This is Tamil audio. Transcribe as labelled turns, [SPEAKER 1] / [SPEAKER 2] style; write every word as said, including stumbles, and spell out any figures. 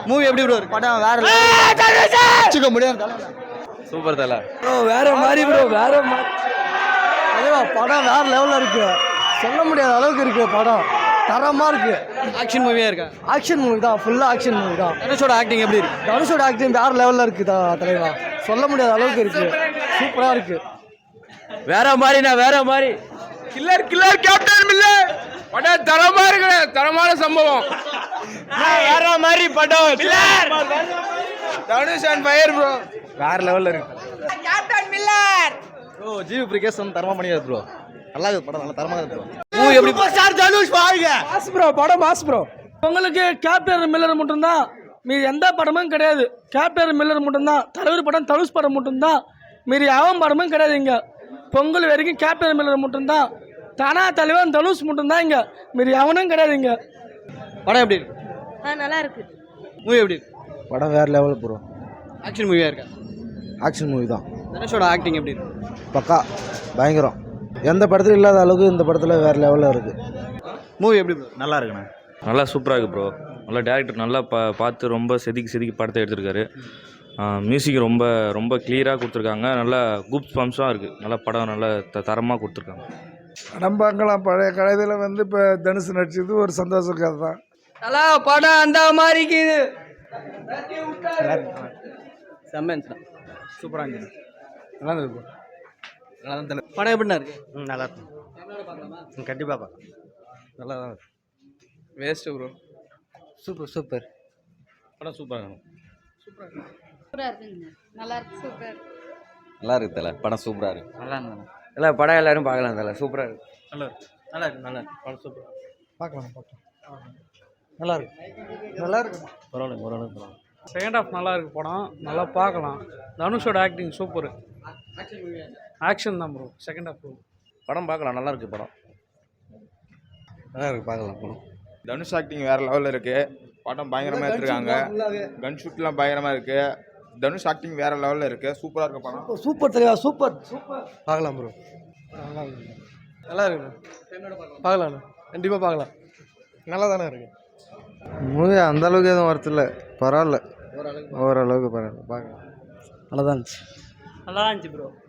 [SPEAKER 1] மூவி எப்படி ப்ரோ இருக்கு?
[SPEAKER 2] படம் வேற
[SPEAKER 1] வச்சுக்க முடியாது.
[SPEAKER 3] சூப்பர் தல
[SPEAKER 2] ப்ரோ, வேற மாதிரி ப்ரோ, வேற மாதிரி. அதேவா படம் வேற லெவலில் இருக்கு, சொல்ல முடியாத அளவுக்கு இருக்கு. படம் தரமா இருக்கு.
[SPEAKER 1] ஆக்ஷன் மூவியா இருக்கா?
[SPEAKER 2] ஆக்ஷன் மூவி தான், ஃபுல்லா ஆக்ஷன் மூவி தான்.
[SPEAKER 1] தனுஷோட ஆக்டிங் எப்படி இருக்கு?
[SPEAKER 2] தனுஷோட ஆக்டிங் வேற லெவலில் இருக்கு தலைவா, சொல்ல முடியாத அளவுக்கு இருக்கு, சூப்பரா இருக்கு.
[SPEAKER 3] வேற மாதிரிண்ணா, வேற மாதிரி.
[SPEAKER 4] கில்லர் கில்லர் கேப்டன் மில்லர் படம் தரமா இருக்கு, தரமான சம்பவம்.
[SPEAKER 3] வேற மாதிரி படம்.
[SPEAKER 4] தனுஷ் அண்ட் ஃபயர் ப்ரோ,
[SPEAKER 1] வேற லெவல்ல இருக்கு.
[SPEAKER 4] Captain Miller
[SPEAKER 1] bro GV Prakash வந்து தரமா பண்ணியாரு ப்ரோ. நல்லா இருக்கு படம், நல்லா தரமா இருக்கு ப்ரோ. மூவி எப்படி?
[SPEAKER 2] ஸ்டார் தனுஷ் வாழ்க. மாஸ் ப்ரோ, படம் மாஸ் ப்ரோ.
[SPEAKER 5] உங்களுக்கு கேப்டன் மில்லர் மட்டும்தான், மீதி எந்த படமும் கிடையாது. கேப்டன் மில்லர் மட்டும்தான். தலைவர் படம் தனுஷ் படம் மட்டும்தான், மீதி அவன் படமும் கிடையாது. இங்கே பொங்கல் வரைக்கும் கேப்டன் மில்லர் மட்டும்தான். தானா தலைவன் தனுஷ் மட்டும்தான் இங்கே, மீதி அவனும் கிடையாது இங்கே.
[SPEAKER 1] படம் எப்படி இருக்கு?
[SPEAKER 6] ஆ நல்லா இருக்கு.
[SPEAKER 1] மூவி எப்படி இருக்கு?
[SPEAKER 2] படம் வேற லெவல் ப்ரோ.
[SPEAKER 1] ஆக்ஷன் மூவியா இருக்கா?
[SPEAKER 2] ஆக்ஷன் மூவி தான்.
[SPEAKER 1] தனுஷோட ஆக்டிங் எப்படி இருக்கு?
[SPEAKER 2] பக்கா பயங்கரம். எந்த படத்துல இல்லாத அளவுக்கு இந்த படத்துல வேற லெவலில் இருக்கு.
[SPEAKER 1] மூவி எப்படி ப்ரோ?
[SPEAKER 3] நல்லா இருக்குண்ணா, நல்லா சூப்பராக இருக்குது ப்ரோ. நல்லா டேரக்டர் நல்லா பா பார்த்து ரொம்ப செதுக்கி செதுக்கி படத்தை எடுத்திருக்காரு. மியூசிக் ரொம்ப ரொம்ப கிளியராக கொடுத்துருக்காங்க. நல்லா குப்ஸ் பம்ப்ஸாக இருக்குது. நல்லா படம் நல்லா த தரமாக கொடுத்துருக்காங்க.
[SPEAKER 7] படம் பார்க்கலாம். பழைய கதையில் வந்து இப்போ தனுஷ் நடிச்சது ஒரு சந்தோஷ கதை தான்.
[SPEAKER 2] நல்லா படம் அந்த மாதிரி இருக்குது.
[SPEAKER 1] சூப்பராக இருந்துச்சு. நல்லா இருந்தது ப்ரோ. நல்லா தான் தலை. படம் எப்படின்னா இருக்கு?
[SPEAKER 2] ம் நல்லா இருக்கும், கண்டிப்பாக பார்க்கலாம்.
[SPEAKER 1] நல்லா தான் இருக்கு.
[SPEAKER 4] Waste bro.
[SPEAKER 2] சூப்பர் சூப்பர்
[SPEAKER 3] படம் சூப்பராக இருக்கும்.
[SPEAKER 6] சூப்பரா இருக்குங்க, நல்லா இருக்கு, சூப்பர்.
[SPEAKER 3] நல்லா இருக்குது தலை, படம் சூப்பராக இருக்குது.
[SPEAKER 2] நல்லா இருந்தது. இல்லை படம் எல்லாரும் பார்க்கலாம் தலை, சூப்பராக இருக்கு.
[SPEAKER 1] நல்லா இருக்கு. நல்லா இருக்கு. நல்லா இருக்கு. படம் சூப்பர்.
[SPEAKER 2] பார்க்கலாம் பார்க்கலாம். நல்லா இருக்கு, நல்லா இருக்கு.
[SPEAKER 3] பரவாயில்ல, ஓரளவுக்கு பரவாயில்ல.
[SPEAKER 5] செகண்ட் ஹாஃப் நல்லா இருக்கு படம், நல்லா பார்க்கலாம். தனுஷோட ஆக்டிங் சூப்பர். ஆக்ஷன் தான் ப்ரோ. செகண்ட் ஹாஃப்
[SPEAKER 3] படம் பார்க்கலாம், நல்லா இருக்குது படம்.
[SPEAKER 2] நல்லா இருக்கு, பார்க்கலாம் படம்.
[SPEAKER 4] தனுஷ் ஆக்டிங் வேற லெவலில் இருக்கு. படம் பயங்கரமாக எடுத்துருக்காங்க. கன் ஷூட்லாம் பயங்கரமாக இருக்கு. தனுஷ் ஆக்டிங் வேற லெவலில் இருக்கு. சூப்பராக இருக்கு படம்.
[SPEAKER 2] சூப்பர் தலைவா, சூப்பர் சூப்பர். பார்க்கலாம் ப்ரோ, நல்லா இருக்கு. நல்லா இருக்கு, பார்க்கலாம், கண்டிப்பாக பார்க்கலாம். நல்லா தானே இருக்கு மூவி. அந்த அளவுக்கு எதுவும் வரதில்ல, பரவாயில்ல, ஓரளவுக்கு பரவாயில்ல, பார்க்கலாம். நல்லா தான் இருந்துச்சு.
[SPEAKER 5] நல்லா இருந்துச்சு ப்ரோ.